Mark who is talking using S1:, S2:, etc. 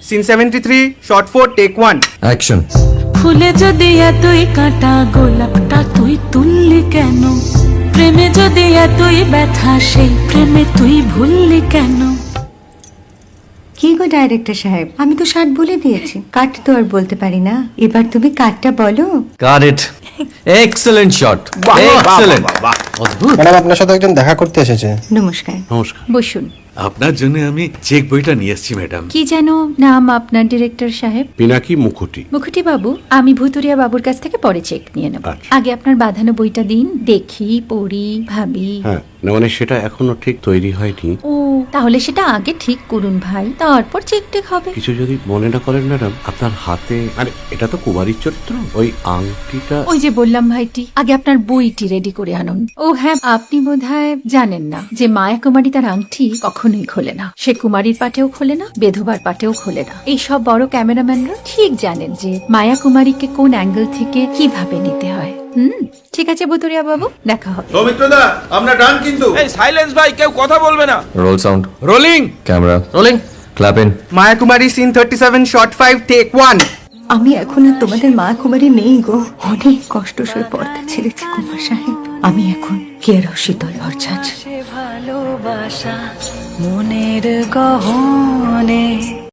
S1: Scene 73 short 4 take 1
S2: action.
S3: ফুলে যদি এতই কাঁটা গোলাপটা তুই তুললি কেন? প্রেমে যদি এতই ব্যথা সেই প্রেমে তুই ভুললি কেন?
S4: কি গো ডাইরেক্টর সাহেব, আমি তো 60 বলে দিয়েছি, কাট তো আর বলতে পারি না, এবার তুমি কাটটা বলো।
S2: Got it. Excellent shot, excellent. অদ্ভুত।
S5: ম্যাডাম, আপনার সাথে একজন দেখা করতে এসেছে।
S4: নমস্কার।
S6: নমস্কার।
S7: বসুন।
S6: আপনার জন্য আমি চেক বইটা নিয়ে এসেছি ম্যাডাম।
S7: কি যেন নাম আপনার ডিরেক্টর সাহেব?
S6: পিনাকি মুখোটি।
S7: মুখুটি বাবু, আমি ভুতুরিয়া বাবুর কাছ থেকে পরে চেক নিয়ে নেব।
S6: আচ্ছা।
S7: আগে আপনার বাঁধানো বইটা দিন, দেখি, পড়ি, ভাবি।
S6: হ্যাঁ, না মানে সেটা এখনো ঠিক তৈরি হয়নি।
S7: ও, তাহলে সেটা আগে ঠিক করুন ভাই, তারপর চেক টেক হবে।
S6: কিছু যদি মনে না করেন ম্যাডাম, আপনার হাতে, আরে এটা তো কুমারীর চরিত্র, ওই আংটিটা।
S7: ওই যে বললাম ভাইটি, আগে আপনার বইটি রেডি করে আনুন। ও হ্যাঁ, আপনি বোধহয় জানেন না যে মায়া কুমারী তার আংটি কখনোই খোলে না। সে কুমারীর পাটেও খোলে না, বেধবার পাটেও খোলে না। এই সব বড় ক্যামেরাম্যানরা ঠিক জানেন যে মায়া কুমারীকে কোন অ্যাঙ্গেল থেকে কিভাবে নিতে হয়। ঠিক আছে ভুতুরিয়া বাবু, দেখা হবে।
S8: সৌমিত্রদা, আমরা ডান কিন্তু।
S9: এই সাইলেন্স ভাই, কেউ কথা বলবে না।
S2: Roll sound,
S9: rolling.
S2: Camera rolling, clap in.
S1: Maya Kumari scene 37 shot 5 take 1
S4: আমি এখন আর তোমাদের মা কুমারী নেই গো, অনেক কষ্ট সয়ে পর্দা ছেড়েছি কুমার সাহেব। আমি এখন কেরো শীতল ভরছাছ।
S3: ভালোবাসা মনের গহনে